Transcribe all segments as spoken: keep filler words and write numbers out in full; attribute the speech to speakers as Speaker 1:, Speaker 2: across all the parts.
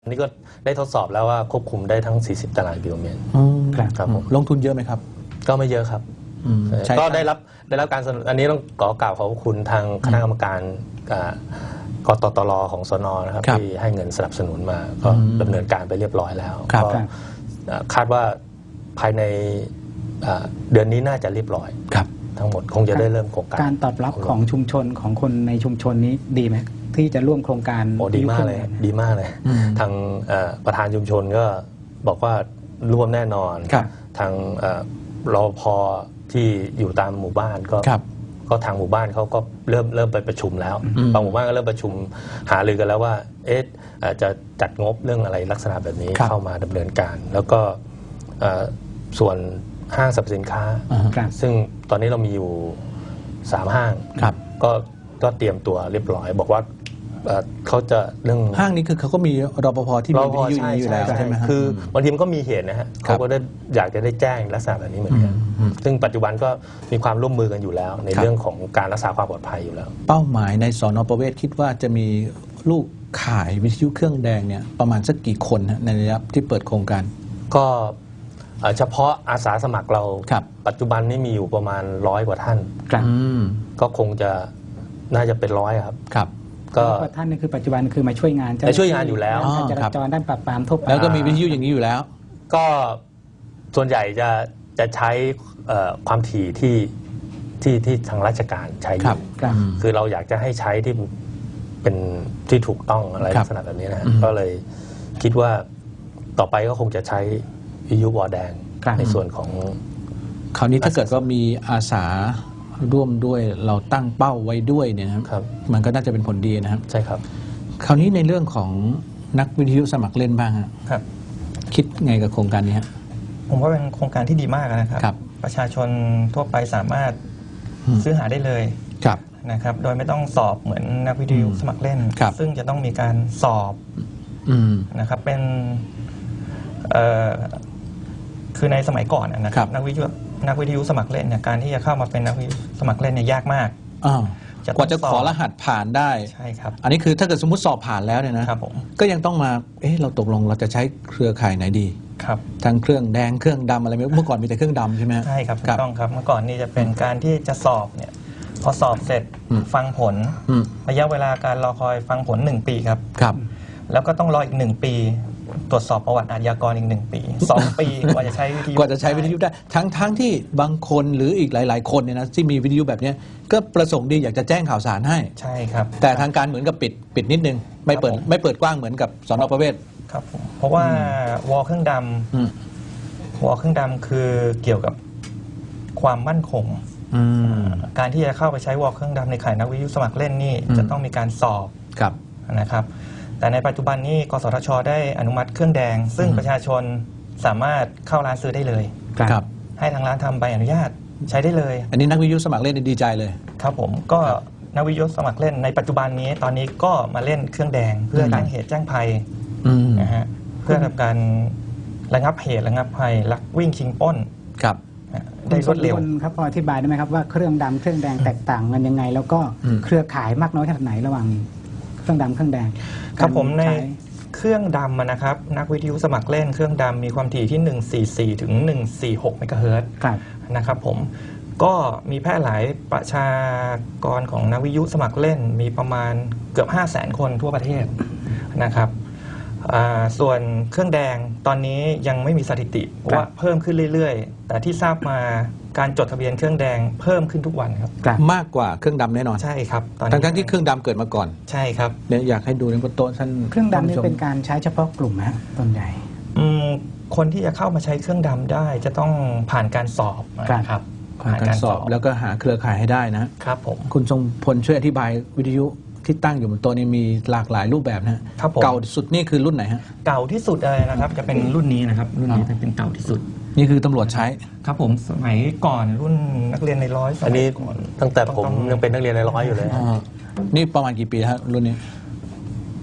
Speaker 1: อันนี้ก็ได้ทดสอบแล้วว่าควบคุมได้ทั้งสี่สิบตารางกิโลเมตรครับผม
Speaker 2: ลงทุนเยอะไหมครับ
Speaker 1: ก็ไม่เยอะครับก็ได้รับได้รับการสนับสนุนอันนี้ต้องขอกล่าวขอบคุณทางคณะกรรมการกตตรของสนนะครับที่ให้เงินสนับสนุนมาก็ดำเนินการไปเรียบร้อยแล้วก็คาดว่าภายในเดือนนี้น่าจะเรียบร้อยทั้งหมดคงจะได้เริ่มโครงการ
Speaker 3: การตอบรับของชุมชนของคนในชุมชนนี้ดีไหมที่จะร่วมโครงการ
Speaker 1: โอ้ดีมากเลยดีมากเลยทางประธานชุมชนก็บอกว่าร่วมแน่นอนทางรปภที่อยู่ตามหมู่บ้านก็ก็ทางหมู่บ้านเขาก็เริ่มเริ่มไปประชุมแล้วบางหมู่บ้านก็เริ่มประชุมหารือกันแล้วว่าเอ๊ะจะจัดงบเรื่องอะไรลักษณะแบบนี้เข้ามาดำเนินการแล้วก็ส่วนห้างสรรพสินค้าซึ่งตอนนี้เรามีอยู่สามห้างก็ก็เตรียมตัวเรียบร้อยบอกว่าเขาจะเรื่อง
Speaker 2: ห้างนี้คือเขาก็มีรปภที่มีวิทยุอยู่แล้วใช่ไหม
Speaker 1: คือบางทีมันก็มีเหตุนะฮะเขาก็ได้อยากจะได้แจ้งลักษณะแบบนี้เหมือนกันซึ่งปัจจุบันก็มีความร่วมมือกันอยู่แล้วในเรื่องของการรักษาความปลอดภัยอยู่แล้ว
Speaker 2: เป้าหมายในสน.ประเวศคิดว่าจะมีลูกขายวิทยุเครื่องแดงเนี่ยประมาณสักกี่คนในระยะที่เปิดโครงการ
Speaker 1: ก็เฉพาะอาสาสมัครเราปัจจุบันนี้มีอยู่ประมาณร้อยกว่าท่านก็คงจะน่าจะเป็นร้อยครับ
Speaker 3: ครับก็ท่านนี่คือปัจจุบันคือมาช่วยงาน
Speaker 1: จะช่วยงานอยู่แล้ว
Speaker 3: การจราจรด้านปราบปรามทุบ
Speaker 2: แล้วก็มีวิทยุอย่างนี้อยู่แล้ว
Speaker 1: ก็ส่วนใหญ่จะจะใช้ความถี่ที่ที่ที่ทางราชการใช้อยู่คือเราอยากจะให้ใช้ที่เป็นที่ถูกต้องอะไรลักษณะแบบนี้นะก็เลยคิดว่าต่อไปก็คงจะใช้วิทยุวอแดงในส่วนของ
Speaker 2: คราวนี้ถ้าเกิดว่ามีอาสาร่วมด้วยเราตั้งเป้าไว้ด้วยเนี่ยนะครับมันก็น่าจะเป็นผลดีนะครับ
Speaker 1: ใช่ครับ
Speaker 2: คราวนี้ในเรื่องของนักวิทยุสมัครเล่นบ้างครับคิดไงกับโครงการนี้ครับ
Speaker 4: ผมว่าเป็นโครงการที่ดีมากนะครับประชาชนทั่วไปสามารถซื้อหาได้เลยนะครับโดยไม่ต้องสอบเหมือนนักวิทยุสมัครเล่นซึ่งจะต้องมีการสอบนะครับเป็นคือในสมัยก่อนนะครับนักวิทยุนักวิทยุสมัครเล่นเนี่ยการที่จะเข้ามาเป็นนักวิทยุสมัครเล่นเนี่ยยากมาก
Speaker 2: กว่าจะขอรหัสผ่านได้
Speaker 4: ใช่ครับ
Speaker 2: อันนี้คือถ้าเกิดสมมติสอบผ่านแล้วเนี่ยนะครับผมก็ยังต้องมาเอ๊ะเราตกลงเราจะใช้เครือข่ายไหนดี
Speaker 4: ครับ
Speaker 2: ทั้งเครื่องแดงเครื่องดำอะไรเมื่อก่อนมีแต่เครื่องดำใช่ไหม
Speaker 4: ใช่ครับถูกต้องครับเมื่อก่อนนี่จะเป็นการที่จะสอบเนี่ยพอสอบเสร็จฟังผลระยะเวลาการรอคอยฟังผลหนึ่งปีครับ
Speaker 2: ครับ
Speaker 4: แล้วก็ต้องรออีกหนึ่งปีตรวจสอบประวัติอาชญากรอีกหนึ่งปีสองปีกว่าจะใช้วิทยุ
Speaker 2: กว่าจะใช้วิทยุได้ทั้งทั้งที่บางคนหรืออีกหลายๆคนเนี่ยนะที่มีวิทยุแบบนี้ก็ประสงค์ดีอยากจะแจ้งข่าวสารให้
Speaker 4: ใช่ครับ
Speaker 2: แต่ทางการเหมือนกับปิดปิดนิดนึงไม่เปิดไม่เปิดกว้างเหมือนกับสน.ประเวศ
Speaker 4: ครับเพราะว่าวอลเครื่องดำวอลเครื่องดำคือเกี่ยวกับความมั่นคงการที่จะเข้าไปใช้วอลเครื่องดำในข่ายนักวิทยุสมัครเล่นนี่จะต้องมีการสอบนะครับแต่ในปัจจุบันนี้กสทช.ได้อนุมัติเครื่องแดงซึ่งประชาชนสามารถเข้าร้านซื้อได้เลย
Speaker 2: ครับ
Speaker 4: ให้ทางร้านทำใบอนุญาตใช้ได้เลย
Speaker 2: อันนี้นักวิทยุสมัครเล่นดีใจเลย
Speaker 4: ครับผมก็นักวิทยุสมัครเล่นในปัจจุบันนี้ตอนนี้ก็มาเล่นเครื่องแดงเพื่อแจ้งเหตุแจ้งภัยนะฮะเพื่อทำการระงับเหตุระงับภัยลักวิ่งชิงปล้น
Speaker 2: ครับ
Speaker 3: ได้รวดเร็วครับพออธิบายได้ไหมครับว่าเครื่องดำเครื่องแดงแตกต่างกันยังไงแล้วก็เครือข่ายมากน้อยขนาดไหนระหว่างเครื่องดำเครื่องแดง
Speaker 4: ครับผมในเครื่องดำนะครับนักวิทยุสมัครเล่นเครื่องดำมีความถี่ที่หนึ่งร้อยสี่สิบสี่ถึงหนึ่งร้อยสี่สิบหกเมกะเฮิรตซ์นะครับผมก็มีแพร่หลายประชากรของนักวิทยุสมัครเล่นมีประมาณเกือบ ห้าแสน คนทั่วประเทศนะครับส่วนเครื่องแดงตอนนี้ยังไม่มีสถิติเพราะว่าเพิ่มขึ้นเรื่อยๆแต่ที่ทราบมาการจดทะเบียนเครื่องแดงเพิ่มขึ้นทุกวันครับ
Speaker 2: มากกว่าเครื่องดำแน่นอน
Speaker 4: ใช่ครับ
Speaker 2: ทั้งทั้งที่เครื่องดำเกิดมาก่อน
Speaker 4: ใช่ครับ
Speaker 2: เนี่ยอยากให้ดูในบนโต๊ะท่าน
Speaker 3: เครื่องดำนี่เป็นการใช้เฉพาะกลุ่มนะต้นใหญ่
Speaker 4: คนที่จะเข้ามาใช้เครื่องดำได้จะต้องผ่านการสอบนะครับ
Speaker 2: ผ่านการสอบแล้วก็หาเครือข่ายให้ได้นะครับ
Speaker 4: ผม
Speaker 2: คุณทรงพลช่วยอธิบายวิทยุที่ตั้งอยู่บนโต๊ะนี้มีหลากหลายรูปแบบนะเก่าสุดนี่คือรุ่นไหนฮะ
Speaker 4: เก่าที่สุดเลยนะครับจะเป็นรุ่นนี้นะครับรุ่นนี้จะเป็นเก่าที่สุด
Speaker 2: นี่คือตำรวจใช้
Speaker 4: ครับผมสมัยก่อนรุ่นนักเรียนในร้อย
Speaker 1: อันนี้ตั้งแต่ผมยังเป็นนักเรียนในร้อยอยู่เลย
Speaker 2: นี่ประมาณกี่ปีครับรุ่นนี้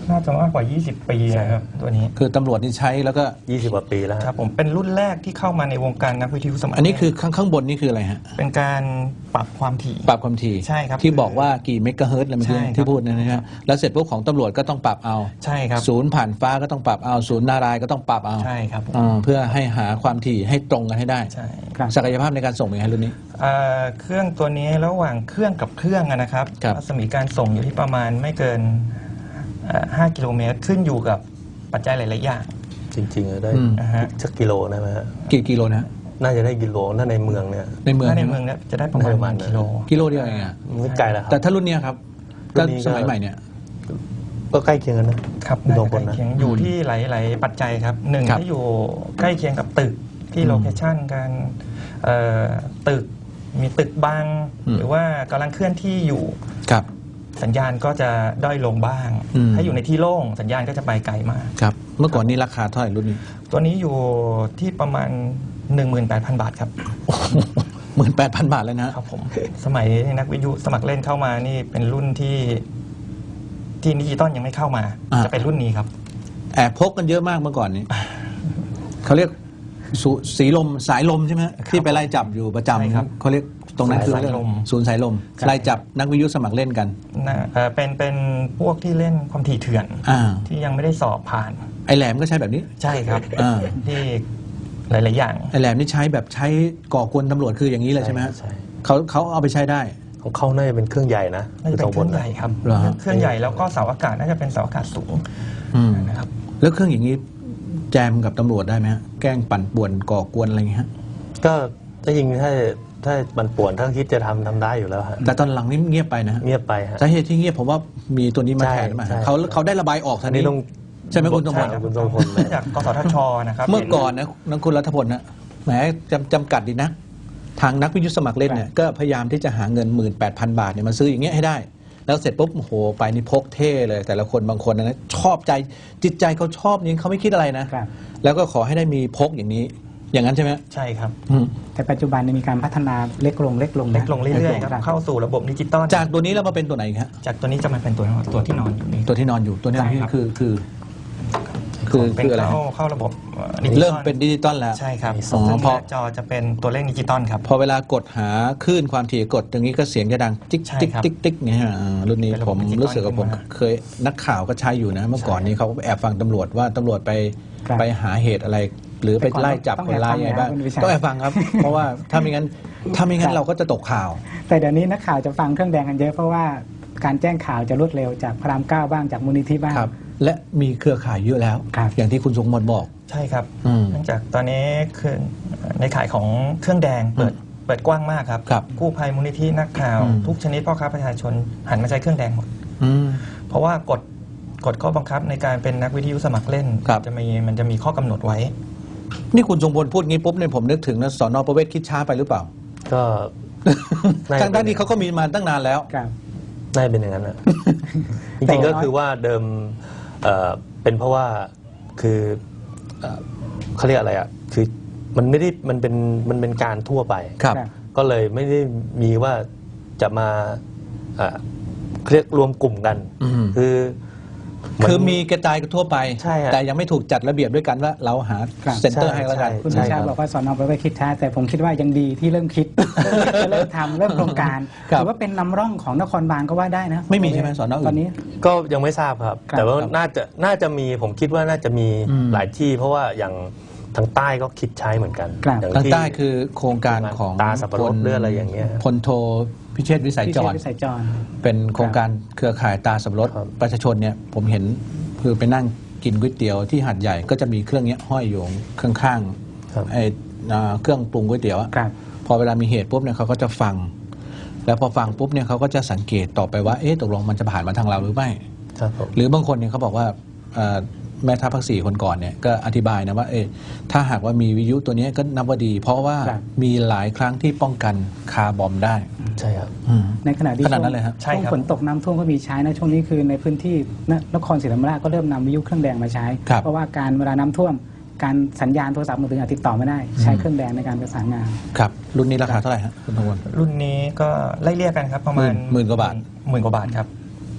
Speaker 4: น่าจะมากกว่า ยี่สิบ ปีนะครับตัวนี้
Speaker 2: คือตำรวจนี่ใช้แล้วก็
Speaker 1: ยี่สิบกว่าปีแล้ว
Speaker 4: ครับผมเป็นรุ่นแรกที่เข้ามาในวงการนักวิทยุสมัคร
Speaker 2: อันนี้คือข้างข้างบนนี่คืออะไรฮะ
Speaker 4: เป็นการปรับความถี่
Speaker 2: ปรับความถี่
Speaker 4: ใช่ครับ
Speaker 2: ที่บอกว่ากี่เมกะเฮิรตซ์อะไรเมื่อกี้ที่พูดนะฮะแล้วเสร็จพวกของตำรวจก็ต้องปรับเอา
Speaker 4: ใช่ครับ
Speaker 2: ศูนย์ผ่านฟ้าก็ต้องปรับเอาศูนย์นารายก็ต้องปรับเอา
Speaker 4: ใช่ครับ
Speaker 2: เพื่อให้หาความถี่ให้ตรงกันให้ได้
Speaker 4: ใช่
Speaker 2: ศักยภาพในการส่งเป็นไงรุ่นนี้
Speaker 4: เครื่องตัวนี้ระหว่างเครื่องกับเครื่องนะครับรัศมีการส่งอยู่ที่ประมาณไม่เกินห้ากิโลเมตรขึ้นอยู่กับปัจจัยหลายๆอย่าง
Speaker 1: จริงๆได้สักกิโลได้ไหมฮะ
Speaker 2: กี่กิโลนะ
Speaker 1: น่าจะได้กิโลถ้าในเมืองเนี่ย
Speaker 2: ในเมือง
Speaker 4: ในเมืองเนี่ยจะได้ประมาณกิโล
Speaker 2: กิโลเดียวเองอ่ะ
Speaker 1: ไม่ไกลแล้วครับ
Speaker 2: แต่ถ้ารุ่นนี้ครับก็สมัยใหม่เนี่ย
Speaker 1: ก็ใกล้เคียงกันนะครับ
Speaker 4: ใกล้เคียงอยู่ที่หลายๆปัจจัยครับหนึ่งที่อยู่ใกล้เคียงกับตึกที่โลเคชั่นการตึกมีตึกบังหรือว่ากำลังเคลื่อนที่อยู่
Speaker 2: ครับ
Speaker 4: สัญญาณก็จะด้อยลงบ้างถ้าอยู่ในที่โล่งสัญญาณก็จะไปไกลมาก
Speaker 2: ครับเมื่อก่อนนี้ราคาเท่าไหร่รุ่นนี้
Speaker 4: ตัวนี้อยู่ที่ประมาณ หนึ่งหมื่นแปดพัน บาทครับ
Speaker 2: หมื่นแปดพัน บาทเลยนะครับ
Speaker 4: ผมสมัยนักวิทยุสมัครเล่นเข้ามานี่เป็นรุ่นที่ที่ดิจิตอลยังไม่เข้ามาจะเป็นรุ่นนี้ครับ
Speaker 2: แอบพกกันเยอะมากเมื่อก่อนนี้เขาเรียกสีลมสายลมใช่ไหมที่ไปไล่จับอยู่ประจำเขาเรียกตรงนั้นคือศูนย์สายลมไล่จับนักวิทยุสมัครเล่นกัน
Speaker 4: เป็นเป็นพวกที่เล่นความถี่เถื่อนที่ยังไม่ได้สอบผ่าน
Speaker 2: ไอแหลมก็ใช้แบบนี้
Speaker 4: ใช่ครับที่หลายๆอย่าง
Speaker 2: ไอแหลมนี่ใช้แบบใช้ก่อกวนตำรวจคืออย่างนี้เลยใช่ไหมเขาเขาเอาไปใช้ได้
Speaker 1: ของเขาน่าจะเป็นเครื่องใหญ่นะ
Speaker 4: น่าจะเป็นเครื่องใหญ่ครับเครื่องใหญ่แล้วก็เสาอากาศน่าจะเป็นเสาอากาศสูง
Speaker 2: นะครับแล้วเครื่องอย่างนี้แจมกับตำรวจได้ไหมฮะแกล้งปั่นป่วนก่อกวนอะไรอย่างเงี้ย
Speaker 1: ก็ถ้ายิงถ้าถ้าปั่นป่วนถ้าคิดจะทำทำได้อยู่แล้วฮะ
Speaker 2: แต่ตอนหลังนี่เงียบไปนะ
Speaker 1: เงียบไปฮะ
Speaker 2: สาเหตุที่เงียบผมว่ามีตัวนี้มาแทนมาเขาเขาได้ระบายออกทันนี้ใช่ไหมคุณทรงพล
Speaker 1: คุณทรงพล
Speaker 4: จากกสทชนะครับ
Speaker 2: เมื่อก่อนนะนักคุณรัฐพลนะแหมจำจำกัดดีนะทางนักวิทยุสมัครเล่นเนี่ยก็พยายามที่จะหาเงิน หนึ่งหมื่นแปดพัน บาทเนี่ยมาซื้ออย่างเงี้ยให้ได้แล้วเสร็จปุ๊บโอ้โหไปนี่พกเท่เลยแต่ละคนบางคนนะชอบใจจิตใจเขาชอบนี้เขาไม่คิดอะไรนะแล้วก็ขอให้ได้มีพกอย่างนี้อย่างนั้นใช่ไหม
Speaker 4: ใช่ครับ
Speaker 3: แต่ปัจจุบันมีการพัฒนาเล็กลงเล็กลง
Speaker 4: เล็กลงเรื่อยๆครับเข้าสู่ระบบดิจิตอล
Speaker 2: จากตัวนี้แล้วมาเป็นตัวไหนครับ
Speaker 4: จากตัวนี้จะมาเป็นตัวตัวที่นอนอยู่นี่
Speaker 2: ตัวที่นอนอยู่ตัวนี้คือคือ
Speaker 4: คือคืออะไรเข้าระบบ
Speaker 2: เริ่มเป็นดิจิตอลแล้ว
Speaker 4: ใช่ครับพอจอจะเป็นตัวเลขดิจิตอลครับ
Speaker 2: พอเวลากดหาคลื่นความถี่กดตรงนี้ก็เสียงจะดังติ๊กติ๊กติ๊กติ๊กเนี่ยรุ่นนี้ผมรู้สึกว่าผมเคยนักข่าวก็ใช้อยู่นะเมื่อก่อนนี้เขาแอบฟังตำรวจว่าตำรวจไปไปหาเหตุอะไรหรือไปไล่จับคนร้ายยังไงบ้างต้องแอบฟังครับเพราะว่าถ้าไม่งั้นถ้าไม่งั้นเราก็จะตกข่าว
Speaker 3: แต่เดี๋ยวนี้นักข่าวจะฟังเครื่องแดงกันเยอะเพราะว่าการแจ้งข่าวจะรวดเร็วจากพระรามเก้าบ้างจากมูลนิธิบ้าง
Speaker 2: และมีเครือข่ายเยอะแล้วอย่างที่คุณสงมนบอก
Speaker 4: ใช่ครับเนื่องจากตอนนี้คือในข่ายของเครื่องแดงเปิดเปิดกว้างมากครับกู้ภัยมูลนิธินักข่าวทุกชนิดพ่อค้าประชาชนหันมาใช้เครื่องแดงหมดเพราะว่ากฎกฎข้อบังคับในการเป็นนักวิทยุสมัครเล่นจะมีมันจะมีข้อกำหนดไว้
Speaker 2: นี่คุณทรงพลพูดงี้ปุ๊บเนี่ยผมนึกถึงนะสน.ประเวศคิดช้าไปหรือเปล่า
Speaker 1: ก็
Speaker 2: ทางด้านนี้เขาก็มีมาตั้งนานแล้ว
Speaker 1: ได้เป็นอย่างนั้นนะจริงๆก็คือว่าเดิมเป็นเพราะว่าคือเขาเรียกอะไรอ่ะคือมันไม่ได้มันเป็นมันเป็นการทั่วไปก็เลยไม่ได้มีว่าจะมาเรียกรวมกลุ่มกันคือ
Speaker 2: คือมีกระจายกันทั่วไปแต่ยังไม่ถูกจัดระเบียบด้วยกันว่าเราหาเซ็นเตอร์ให้แล้วกัน
Speaker 3: คุณชาบอกว่าสอนอไปคิดช้าแต่ผมคิดว่ายังดีที่เริ่มคิดเริ่มทำเริ่มโครงการถือว่าเป็นนำร่องของนครบาลก็ว่าได้นะ
Speaker 2: ไม่มีใช่ไหมสอนอ
Speaker 3: ตอนนี้
Speaker 1: ก็ยังไม่ทราบครับแต่ว่าน่าจะน่าจะมีผมคิดว่าน่าจะมีหลายที่เพราะว่าอย่างทางใต้ก็คิดใช้เหมือนกัน
Speaker 2: ทางใต้คือโครงการของ
Speaker 1: ตาสับปะรดเรื่องอะไรอย่างเงี้ย
Speaker 2: พลโทพิเชษวิสัยจรเป็นโครงการเครือข่ายตาสับปะรดประชาชนเนี่ยผมเห็นคือไปนั่งกินก๋วยเตี๋ยวที่หาดใหญ่ก็จะมีเครื่องนี้ห้อยอยู่ข้างๆไอ้เครื่องปรุงก๋วยเตี๋ยวพอเวลามีเหตุปุ๊บเนี่ยเขาก็จะฟังแล้วพอฟังปุ๊บเนี่ยเขาก็จะสังเกตต่อไปว่าเอ๊ะตกลงมันจะผ่านมาทางเราหรือไม่หรือบางคนเนี่ยเขาบอกว่าแม่ทัพภาคสี่คนก่อนเนี่ยก็อธิบายนะว่าเออถ้าหากว่ามีวิทยุตัวนี้ก็นับว่าดีเพราะว่ามีหลายครั้งที่ป้องกันคาร์บอมได้
Speaker 1: ใช่ครับ
Speaker 3: ในขณะที่
Speaker 2: ขนาดนั้นเลยครับ
Speaker 3: ช่วงฝนตกน้ำท่วมก็มีใช้นะช่วงนี้คือในพื้นที่นครศรีธรรมราชก็เริ่มนำวิทยุเครื่องแดงมาใช้เพราะว่าการเวลาน้ำท่วมการสัญญาณโทรศัพท์มือถือติดต่อไม่ได้ใช้เครื่องแดงในการประสานงาน
Speaker 2: ครับรุ่นนี้ราคาเท่าไหร่ครับคุณทวร
Speaker 4: รุ่นนี้ก็ไล่เรียกกันครับประมาณ
Speaker 2: หมื่นกว่าบาท
Speaker 4: หมื่นกว่าบาทครับ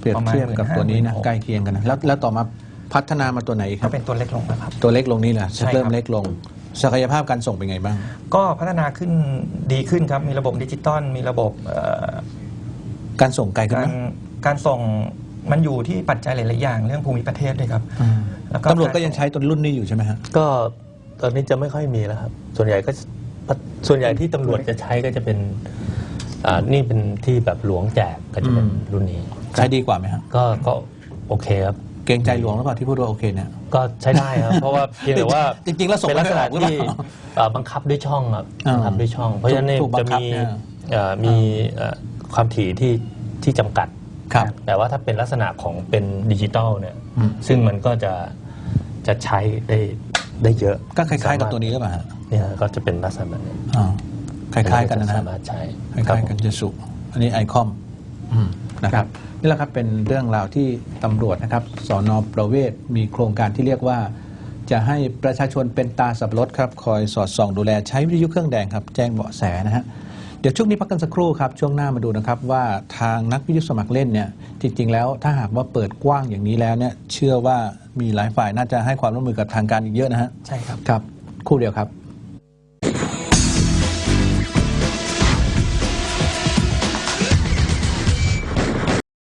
Speaker 2: เปรียบเทียบกับตัวนี้นะใกล้เคียงกันนะแล้วแล้วต่อมาพัฒนามาตัวไหนค
Speaker 4: ก็
Speaker 2: รับ
Speaker 4: เป็นตัวเล็กลงนะครับ
Speaker 2: ตัวเล็กลงนี่แหละ
Speaker 4: ใช่ครับ
Speaker 2: เริ่มเล็กลงศักยภาพการส่งเป็นไงบ้าง
Speaker 4: ก็พัฒนาขึ้นดีขึ้นครับมีระบบดิจิตอลมีระบบเอ่อ
Speaker 2: การส่งไกลขึ้น
Speaker 4: กา
Speaker 2: ไหม
Speaker 4: รการส่งมันอยู่ที่ปัจจัยหลาย ๆ อย่างเรื่องภูมิประเทศด้วยครับ
Speaker 2: อืม
Speaker 4: แล้วก็
Speaker 2: ตำรวจก็ยังใช้ตัวรุ่นนี้อยู่ใช่ไหมฮะ
Speaker 1: ก็ตอนนี้จะไม่ค่อยมีแล้วครับ ส่วนใหญ่ก็ส่วนใหญ่ที่ตำรวจจะใช้ก็จะเป็นอ่านี่เป็นที่แบบหลวงแจกก็จะเป็น
Speaker 2: อืม
Speaker 1: รุ่นนี้
Speaker 2: ใช้ดีกว่าไหมฮะ
Speaker 1: ก็ก็โอเคครับ
Speaker 2: เกรงใจหลวงหรือเปล่าที่พูดว่าโอเคเนี่ย
Speaker 1: ก็ใช้ได้ครับ เพราะว่าเพียงแต่ว่า
Speaker 2: จริงๆแล้วส่ง
Speaker 1: เป็นลักษณะ
Speaker 2: ไม่ออกหรือ
Speaker 1: ที่
Speaker 2: เปล่า
Speaker 1: เอ่อบังคับด้วยช่องครับ
Speaker 2: อ่า
Speaker 1: บังคับด้วยช่อง เพราะฉะนั้นเนี่ย
Speaker 2: ถูกบั
Speaker 1: จะ
Speaker 2: งคับ
Speaker 1: มี
Speaker 2: เนี่ย
Speaker 1: เอ่อมีเอ่อความถี่ที่ที่จำกัด
Speaker 2: ครับ
Speaker 1: แต่ว่าถ้าเป็นลักษณะของเป็นดิจิตอลเนี่ย
Speaker 2: อืม
Speaker 1: ซึ่งมันก็จะจะใช้ได้ได้เยอะ
Speaker 2: ก็คล้ายๆกับตัวนี้หรือเปล่าฮะ
Speaker 1: เนี่ยก็จะเป็นลักษณะแบบนี้
Speaker 2: อ่าคล้ายๆกันนะฮะ
Speaker 1: สามารถใช้
Speaker 2: คล้ายๆกันเจสุอันนี้ไอคอมนะครับนี่แหละครับเป็นเรื่องราวที่ตำรวจนะครับสนประเวศมีโครงการที่เรียกว่า จะให้ประชาชนเป็นตาสับปะรดครับคอยสอดส่องดูแลใช้วิทยุเครื่องแดงครับแจ้งเบาะแสนะฮะเดี๋ยวช่วงนี้พักกันสักครู่ครับช่วงหน้ามาดูนะครับว่าทางนักวิทยุสมัครเล่นเนี่ยจริงๆแล้วถ้าหากว่าเปิดกว้างอย่างนี้แล้วเนี่ยเชื่อว่ามีหลายฝ่ายน่าจะให้ความร่วมมือกับทางการอีกเยอะนะฮะ
Speaker 4: ใช่ครับ
Speaker 2: ครับครู่เดียวครับ